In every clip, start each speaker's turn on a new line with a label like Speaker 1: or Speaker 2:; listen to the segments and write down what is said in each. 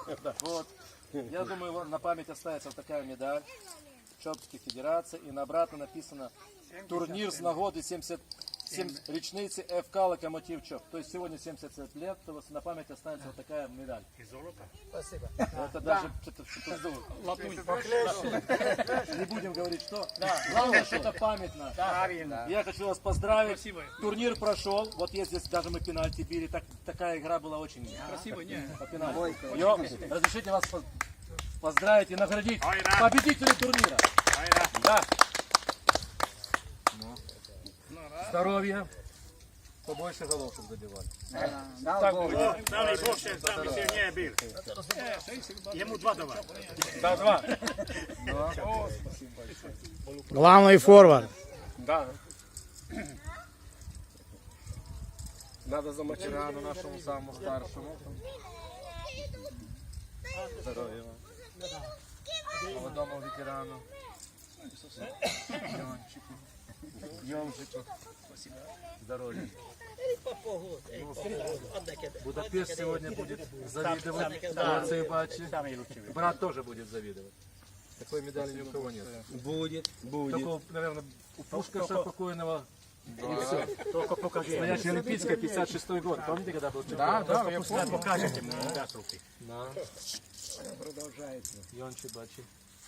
Speaker 1: Вот. Я думаю, на память останется вот такая медаль Чопської федерации. И на обратно написано турнир с нагоды 77 речницы ФК Локомотив Чоп. То есть сегодня 70 лет, то вот на память останется вот такая медаль.
Speaker 2: Спасибо.
Speaker 1: Это даже что-то не будем говорить, что. Главное, что это памятно. Я хочу вас поздравить.
Speaker 3: Спасибо.
Speaker 1: Турнир прошел. Вот есть здесь даже мы пенальти били. Такая игра была очень
Speaker 3: Красиво, не?
Speaker 1: по пенальти. Разрешите вас поздравить и наградить победителей турнира. Да. Здоровья. Побольше голов, чтобы забивали. Так будет.
Speaker 4: Dali Bože, da bi silnije bil. Jemu 2 давай.
Speaker 1: Да, 2.
Speaker 5: Главный форвард.
Speaker 1: Да. Надо за Мачерану, нашему самому старшему. Здоровья вам. Молодому ветерану. Йончику. Йончику. Здоровья. Будапешт сегодня будет завидовать Луции Бачи. Брат тоже будет завидовать. Такой медали ни у кого нет.
Speaker 2: Будет.
Speaker 1: Только, наверное, у Пушкаша покойного. Только покажи. Настоящая Олимпийская, 56-й год. Помните, когда был чемпион?
Speaker 3: Да, я покажете мне.
Speaker 1: Да.
Speaker 2: Продолжается.
Speaker 1: Йончи Бачи.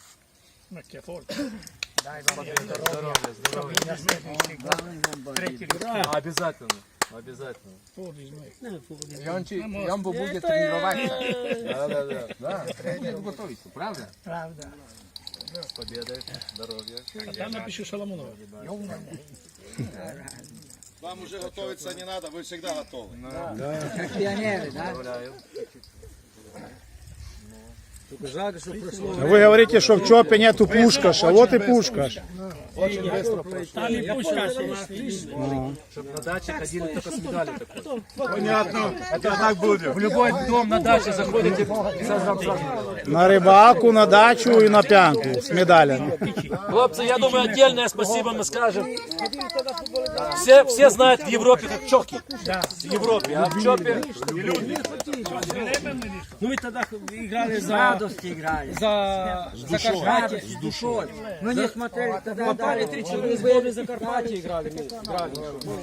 Speaker 3: Здоровья,
Speaker 1: Здоровья. Обязательно. Обязательно.
Speaker 2: Йомбу будет тренироваться.
Speaker 1: Да.
Speaker 2: Тренер готовится, правда?
Speaker 3: Правда.
Speaker 1: С победой. Здоровья.
Speaker 3: А там напишу Шаламунова.
Speaker 6: Вам уже готовиться не надо, вы всегда готовы.
Speaker 2: Пионеры, да?
Speaker 1: Поздравляю.
Speaker 2: Только жалко, что прошло.
Speaker 5: Вы говорите, что в ЧОПе нету Пушкаша. Вот и Пушкаш.
Speaker 1: Очень быстро прошло.
Speaker 3: Там и Пушкаш есть.
Speaker 1: Чтобы на даче ходили только с медалью такой.
Speaker 6: Понятно, это так будет.
Speaker 1: В любой дом на даче заходите и сразу медаль.
Speaker 5: На рыбалку, на дачу и на пьянку с медалями.
Speaker 1: Хлопцы, я думаю, отдельное спасибо мы скажем. Все знают в Европе как чоки. В Европе, а в Чопе
Speaker 3: Ну мы тогда играли за
Speaker 2: Радости играли.
Speaker 3: Закарпатье.
Speaker 2: С душой. Мы не смотрели тогда.
Speaker 3: Попали 3-4 сборы Закарпатье играли. Мы играли.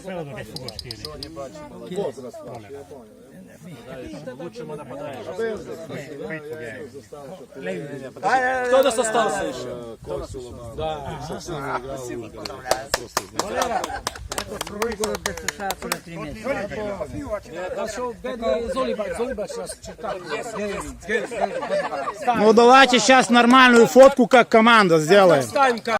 Speaker 1: лучшему нападающему. Кто у нас остался еще? Да. Спасибо.
Speaker 2: Второй город ДССР по 3 месяца.
Speaker 5: Ну давайте сейчас нормальную фотку, как команда сделаем.